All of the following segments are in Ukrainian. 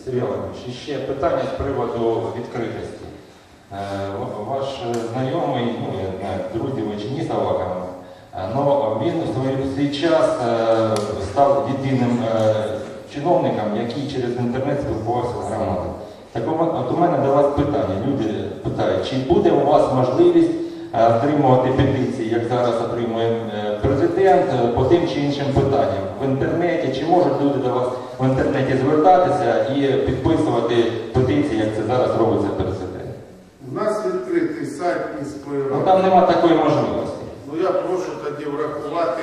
Сергій Володимирович, ще питання з приводу відкритості. Ваш знайомий, ну, я не знаю, друзі ви чи ні Саваков, але він у свій час став єдиним чиновником, який через інтернет спілкувався з громадою. Так от у мене до вас питання. Люди питають, чи буде у вас можливість отримувати петиції, як зараз отримує президент, по тим чи іншим питанням в інтернеті, чи можуть люди до вас в інтернеті звертатися і підписувати петиції, як це зараз робиться президент? У нас відкритий сайт міської ради. Ну там нема такої можливості. Ну я прошу тоді врахувати.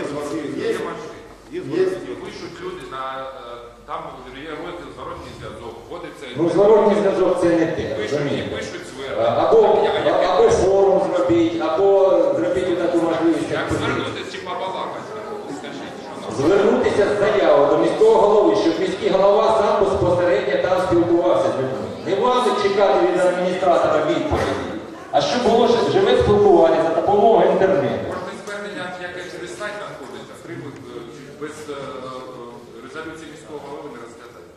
Є пишуть люди, там є розділ зворотній зв'язок, вводиться... Ну зворотній зв'язок це не те, розумієте? Або форум зробіть, або зробіть таку можливість. Як звернутися чи побалакати? Звернутися з заявою до міського голови, щоб міський голова сам безпосередньо там спілкувався з людьми. Не вам чекати від адміністратора відповіді, а щоб було живе спілкування за допомогою інтернету. Можна звернення, яке через сайт знаходиться, без резолюції міського голови не розглядати.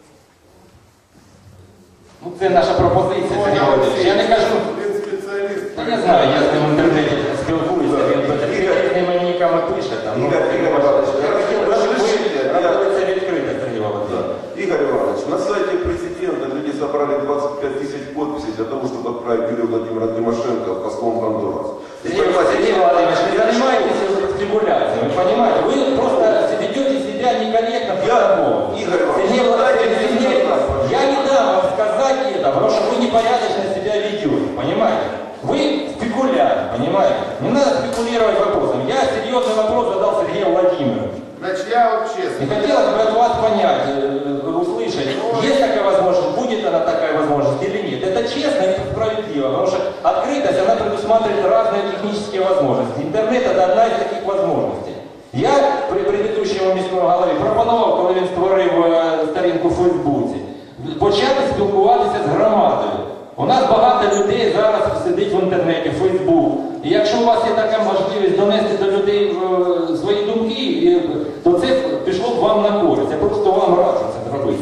Ну це наша пропозиція, Сергій Володимирович. Я не кажу, Він спеціаліст. я знаю, я з ним в інтернеті спілкуюся, він з ними нікому пише. Це відкрите, Сергій Володимирович. Игорь Иванович, на сайте президента люди собрали 25 тысяч подписей для того, чтобы отправить Юлию Владимировну Тимошенко послом в Гондурас. Сергей Владимирович, не занимайтесь спекуляцией, вы понимаете? Вы просто ведете себя некорректно по-другому. Игорь Сергей Владимирович, Иванович, я не дам вам сказать это, потому что вы непорядочно себя ведете, понимаете? Вы спекулянт, понимаете? Не надо спекулировать вопросом. Я серьезный вопрос задал Сергею Владимировичу. Значит, я вот честно. И хотелось бы от вас понять, услышать, есть такая возможность, будет она такая возможность или нет. Это честно и справедливо, потому что открытость, она предусматривает разные технические возможности. Интернет – это одна из таких возможностей. Я при предыдущому міському голові пропонував, коли він створив сторінку в Фейсбуці, почати спілкуватися з громадою. У нас багато людей зараз сидить в інтернеті, в Фейсбук. І якщо у вас є така можливість донести до людей свої думки, то це пішло б вам на користь. Я просто вам раджу це зробити.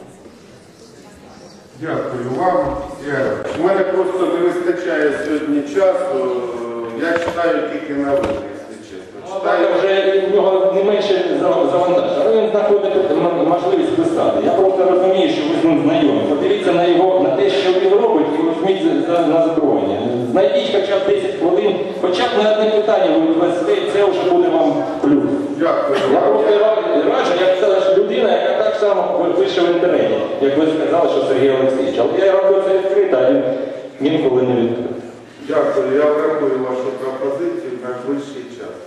Дякую вам. У мене просто не вистачає сьогодні часу. Я читаю тільки на вулиці, якщо чесно. Читаю вже в нього не менше завантаження, але він знаходить можливість писати. Я просто розумію, що ви з ним знайомі. Подивіться на те, що він робить, і візьміть на зброєння. Знайдіть хоча б 10 хвилин, хоча б на одне питання ви відвести, це вже буде вам плюс. Дякую. Я просто раджу, як людина, яка так само пише в інтернеті, як ви сказали, що Сергій Олексійович. Але я роблю це відкрито, а він інколи не відкрито. Дякую. Я врахую вашу пропозицію на ближчий час.